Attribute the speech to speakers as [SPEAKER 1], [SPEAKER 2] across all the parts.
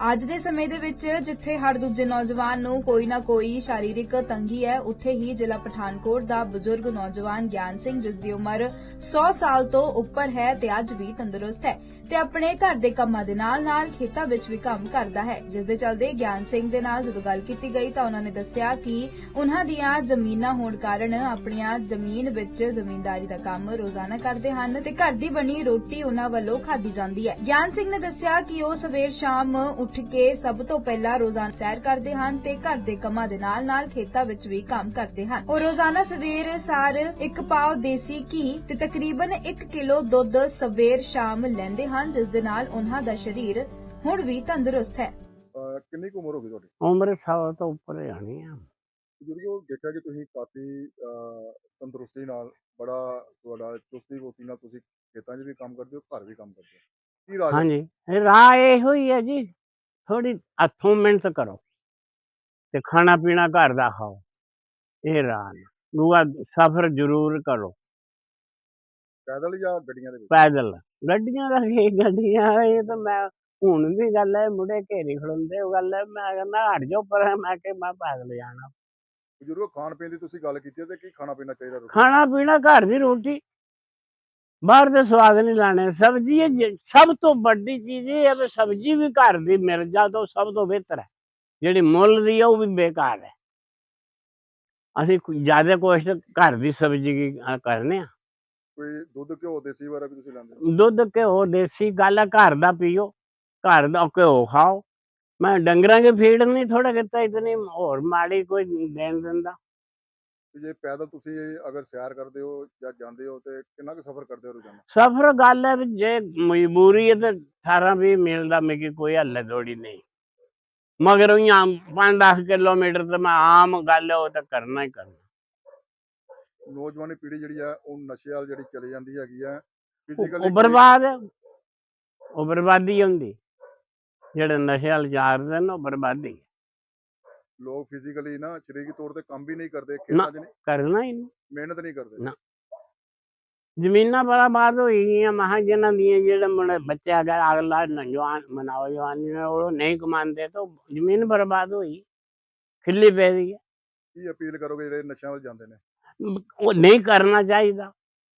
[SPEAKER 1] ਅੱਜ ਦੇ ਸਮੇਂ ਦੇ ਵਿੱਚ ਜਿੱਥੇ ਹਰ ਦੂਜੇ ਨੌਜਵਾਨ ਨੂੰ ਕੋਈ ਨਾ ਕੋਈ शारीरिक ਤੰਗੀ ਹੈ, ਉੱਥੇ ਹੀ ਜ਼ਿਲ੍ਹਾ ਪਠਾਨਕੋਟ ਦਾ ਬਜ਼ੁਰਗ ਨੌਜਵਾਨ ਗਿਆਨ ਸਿੰਘ, ਜਿਸ ਦੀ ਉਮਰ 100 ਸਾਲ ਤੋਂ ਉੱਪਰ ਹੈ ਤੇ ਅੱਜ ਵੀ ਤੰਦਰੁਸਤ ਹੈ ਤੇ ਆਪਣੇ ਘਰ ਦੇ ਕੰਮਾਂ ਦੇ ਨਾਲ-ਨਾਲ ਖੇਤਾਂ ਵਿੱਚ ਵੀ ਕੰਮ ਕਰਦਾ ਹੈ। ਜਿਸ ਦੇ ਚੱਲਦੇ ਗਿਆਨ ਸਿੰਘ ਦੇ ਨਾਲ ਜਦੋਂ ਗੱਲ ਕੀਤੀ ਗਈ ਤਾਂ ਉਹਨਾਂ ਨੇ ਦੱਸਿਆ ਕਿ ਉਹਨਾਂ ਦੀਆਂ ਜ਼ਮੀਨਾਂ ਹੋਣ ਕਾਰਨ ਆਪਣੀਆਂ ਜ਼ਮੀਨ ਵਿੱਚ ਜ਼ਮੀਂਦਾਰੀ ਦਾ ਕੰਮ ਰੋਜ਼ਾਨਾ ਕਰਦੇ ਹਨ ਤੇ ਘਰ ਦੀ ਬਣੀ ਰੋਟੀ ਉਹਨਾਂ ਵੱਲੋਂ ਖਾਧੀ ਜਾਂਦੀ ਹੈ। ਗਿਆਨ ਸਿੰਘ ਨੇ ਦੱਸਿਆ ਕਿ ਉਹ ਸਵੇਰ ਸ਼ਾਮ ਉੱਠ ਕੇ ਸਭ ਤੋਂ ਪਹਿਲਾਂ ਰੋਜ਼ਾਨਾ ਸੈਰ ਕਰਦੇ ਹਨ ਤੇ ਘਰ ਦੇ ਕੰਮਾਂ ਦੇ ਨਾਲ-ਨਾਲ ਖੇਤਾਂ ਵਿੱਚ ਵੀ ਕੰਮ ਕਰਦੇ ਹਨ। ਉਹ ਰੋਜ਼ਾਨਾ ਸਵੇਰ ਸਾਰ 1 ਪਾਉ ਦੇਸੀ ਘੀ ਤੇ ਤਕਰੀਬਨ 1 ਕਿਲੋ ਦੁੱਧ ਸਵੇਰ ਸ਼ਾਮ ਲੈਂਦੇ ਹਨ, ਜਿਸ ਦੇ ਨਾਲ ਉਹਨਾਂ ਦਾ ਸਰੀਰ ਹੁਣ ਵੀ ਤੰਦਰੁਸਤ ਹੈ।
[SPEAKER 2] ਕਿੰਨੀ ਕੁ ਉਮਰ ਹੋ ਗਈ ਤੁਹਾਡੀ?
[SPEAKER 3] ਉਮਰ 100 ਤੋਂ ਉੱਪਰ ਜਾਣੀ ਆ।
[SPEAKER 2] ਬਜ਼ੁਰਗੋ, ਦੇਖਿਆ ਕਿ ਤੁਸੀਂ ਕਾਫੀ ਤੰਦਰੁਸਤੀ ਨਾਲ, ਬੜਾ ਤੁਹਾਡਾ ਚੁਸਤੀ ਫੁਰਤੀ ਨਾਲ ਤੁਸੀਂ ਖੇਤਾਂ 'ਚ ਵੀ ਕੰਮ ਕਰਦੇ ਹੋ, ਘਰ ਵੀ ਕੰਮ ਕਰਦੇ ਹੋ। ਕੀ ਰਾਜ?
[SPEAKER 3] ਹਾਂਜੀ, ਰਾਹ ਇਹੋ ਹੀ ਹੈ ਜੀ, ਥੋੜੀ ਹੱਥੋਂ ਮਿਹਨਤ ਕਰੋ ਤੇ ਖਾਣਾ ਪੀਣਾ ਘਰ ਦਾ ਖਾਓ, ਇਹ ਰਾਹ ਨੇ। ਦੂਆ ਸਫ਼ਰ ਜ਼ਰੂਰ ਕਰੋ,
[SPEAKER 2] ਪੈਦਲ ਜਾਂ ਗੱਡੀਆਂ ਦੇ ਵਿੱਚ?
[SPEAKER 3] ਪੈਦਲ। ਗੱਡੀਆਂ ਦਾ ਕੀ ਗੱਡੀਆਂ, ਇਹ ਤਾਂ ਮੈਂ ਹੁਣ ਵੀ ਗੱਲ ਹੈ, ਮੁੰਡੇ ਘੇਰੀ ਖੜੋਂਦੇ, ਉਹ ਗੱਲ ਹੈ, ਮੈਂ ਕਹਿੰਦਾ ਹਟ ਜਾਓ ਪਰ ਮੈਂ ਕਿ ਮੈਂ ਪੈਦਲ ਜਾਣਾ।
[SPEAKER 2] ਬਜ਼ੁਰਗੋ, ਖਾਣ ਪੀਣ ਦੀ ਤੁਸੀਂ ਗੱਲ ਕੀਤੀ ਹੈ ਤੇ ਕੀ ਖਾਣਾ ਪੀਣਾ ਚਾਹੀਦਾ?
[SPEAKER 3] ਖਾਣਾ ਪੀਣਾ ਘਰ ਦੀ ਰੋਟੀ, ਬਾਹਰ ਦੇ ਸਵਾਦ ਨਹੀਂ ਲਾਣੇ। ਸਬਜ਼ੀ ਸਭ ਤੋਂ ਵੱਡੀ ਚੀਜ਼ ਇਹ ਹੈ ਵੀ ਸਬਜ਼ੀ ਵੀ ਘਰ ਦੀ ਮਿਲ ਜਾ ਤਾਂ ਸਭ ਤੋਂ ਬਿਹਤਰ ਹੈ। ਜਿਹੜੀ ਮੁੱਲ ਦੀ ਹੈ ਉਹ ਵੀ ਬੇਕਾਰ ਹੈ। ਅਸੀਂ ਜ਼ਿਆਦਾ ਕੋਸ਼ਿਸ਼ ਘਰ ਦੀ ਸਬਜ਼ੀ ਕਰਨੇ ਆ।
[SPEAKER 2] ਕੋਈ ਦੁੱਧ ਘਿਓ ਦੇਸੀ ਵਗੈਰਾ ਵੀ ਤੁਸੀਂ ਲੈਂਦੇ ਹੋ?
[SPEAKER 3] ਦੁੱਧ ਘਿਓ ਦੇਸੀ ਗੱਲ ਹੈ, ਘਰ ਦਾ ਪੀਓ, ਘਰ ਦਾ ਘਿਓ ਖਾਓ। ਮੈਂ ਡੰਗਰਾਂ ਕੇ ਫੀਡ ਨਹੀਂ ਥੋੜਾ ਕੀਤਾ, ਇਤਨੀ ਹੋਰ ਮਾੜੀ ਕੋਈ ਦੇਣ ਦਿੰਦਾ।
[SPEAKER 2] ਜੇ ਪੈਦਲ ਤੁਸੀਂ ਅਗਰ ਸੈਰ ਕਰਦੇ ਹੋ ਜਾਂ ਜਾਂਦੇ ਹੋ ਤੇ ਕਿੰਨਾ ਕੁ ਸਫ਼ਰ ਕਰਦੇ ਹੋ ਰੋਜ਼ਾਨਾ?
[SPEAKER 3] ਸਫ਼ਰ ਗੱਲ ਹੈ ਵੀ ਜੇ ਮਜਬੂਰੀ ਹੈ ਤਾਂ 18-20 ਮੀਲ ਦਾ ਮੇਰੀ ਕੋਈ ਹੱਲੇ ਦੌੜੀ ਨਹੀਂ, ਮਗਰ ਉਹ 5-10 ਕਿਲੋਮੀਟਰ ਤਾਂ ਮੈਂ ਆਮ ਗੱਲ ਹੈ ਉਹ ਤਾਂ ਕਰਨਾ ਹੀ ਕਰਨਾ।
[SPEAKER 2] ਨੌਜਵਾਨੀ ਪੀੜ੍ਹੀ ਜਿਹੜੀ ਹੈ ਉਹ ਨਸ਼ੇ ਵੱਲ ਜਿਹੜੀ ਚਲੀ ਜਾਂਦੀ ਹੈਗੀ ਹੈ,
[SPEAKER 3] ਉਹ ਬਰਬਾਦ ਹੈ, ਉਹ ਬਰਬਾਦੀ ਹੁੰਦੀ। ਜਿਹੜੇ ਨਸ਼ੇ ਵੱਲ ਜਾਂਦੇ ਨੇ ਉਹ ਬਰਬਾਦੀ।
[SPEAKER 2] ਲੋਕ ਫਿਜ਼ੀਕਲੀ ਨਾ ਸਰੀਰਕ ਤੌਰ ਤੇ ਕੰਮ ਵੀ ਨਹੀਂ ਕਰਦੇ,
[SPEAKER 3] ਨਾ
[SPEAKER 2] ਖੇਤਾਂ 'ਚ ਨਹੀਂ
[SPEAKER 3] ਕਰਨਾ ਹੀ ਨਹੀਂ,
[SPEAKER 2] ਮਿਹਨਤ ਨਹੀਂ ਕਰਦੇ।
[SPEAKER 3] ਨਾ ਜ਼ਮੀਨਾਂ ਬਰਬਾਦ ਹੋਈ ਗਈਆਂ। ਮਹਾਂ ਜਿਹਨਾਂ ਦੀਆਂ ਜਿਹੜੇ ਮੁੰਡੇ ਬੱਚੇ ਅਗਰ ਅਗਲਾ ਨੌਜਵਾਨ ਮਨਾਓ ਜਵਾਨੀ ਉਹ ਨਹੀਂ ਕਮਾਉਂਦੇ ਤਾਂ ਜ਼ਮੀਨ ਬਰਬਾਦ ਹੋਈ, ਖਿੱਲੀ ਪੈ ਰਹੀ ਹੈ।
[SPEAKER 2] ਕੀ ਅਪੀਲ ਕਰੋਗੇ ਜਿਹੜੇ ਨਸ਼ਿਆਂ ਵੱਲ ਜਾਂਦੇ ਨੇ?
[SPEAKER 3] ਉਹ ਨਹੀਂ ਕਰਨਾ ਚਾਹੀਦਾ।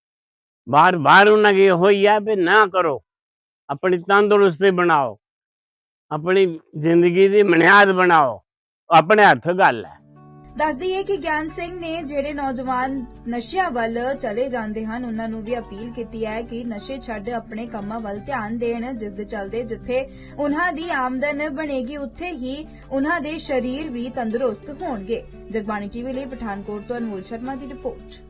[SPEAKER 3] ਬਾਰ ਉਹਨਾਂ ਕੀ ਹੋਈ ਹੈ ਵੀ ਨਾ ਕਰੋ, ਆਪਣੀ ਤੰਦਰੁਸਤੀ ਬਣਾਓ, ਆਪਣੀ ਜ਼ਿੰਦਗੀ ਦੀ ਬੁਨਿਆਦ ਬਣਾਓ, ਆਪਣੇ ਹੱਥ ਗੱਲ ਹੈ।
[SPEAKER 1] ਦੱਸ ਦਈਏ ਕਿ ਗਿਆਨ ਸਿੰਘ ਨੇ ਜਿਹੜੇ ਨੌਜਵਾਨ ਨਸ਼ਿਆਂ ਵੱਲ ਚਲੇ ਜਾਂਦੇ ਹਨ ਉਹਨਾਂ ਨੂੰ ਵੀ ਅਪੀਲ ਕੀਤੀ ਹੈ ਕਿ ਨਸ਼ੇ ਛੱਡ ਆਪਣੇ ਕੰਮਾਂ ਵੱਲ ਧਿਆਨ ਦੇਣ, ਜਿਸ ਦੇ ਚੱਲਦੇ ਜਿੱਥੇ ਉਹਨਾਂ ਦੀ ਆਮਦਨ ਬਣੇਗੀ ਉੱਥੇ ਹੀ ਉਹਨਾਂ ਦੇ ਸਰੀਰ ਵੀ ਤੰਦਰੁਸਤ ਹੋਣਗੇ। ਜਗਬਾਣੀ ਟੀਵੀ ਲਈ ਪਠਾਨਕੋਟ ਤੋਂ ਅਨਮੋਲ ਸ਼ਰਮਾ ਦੀ ਰਿਪੋਰਟ।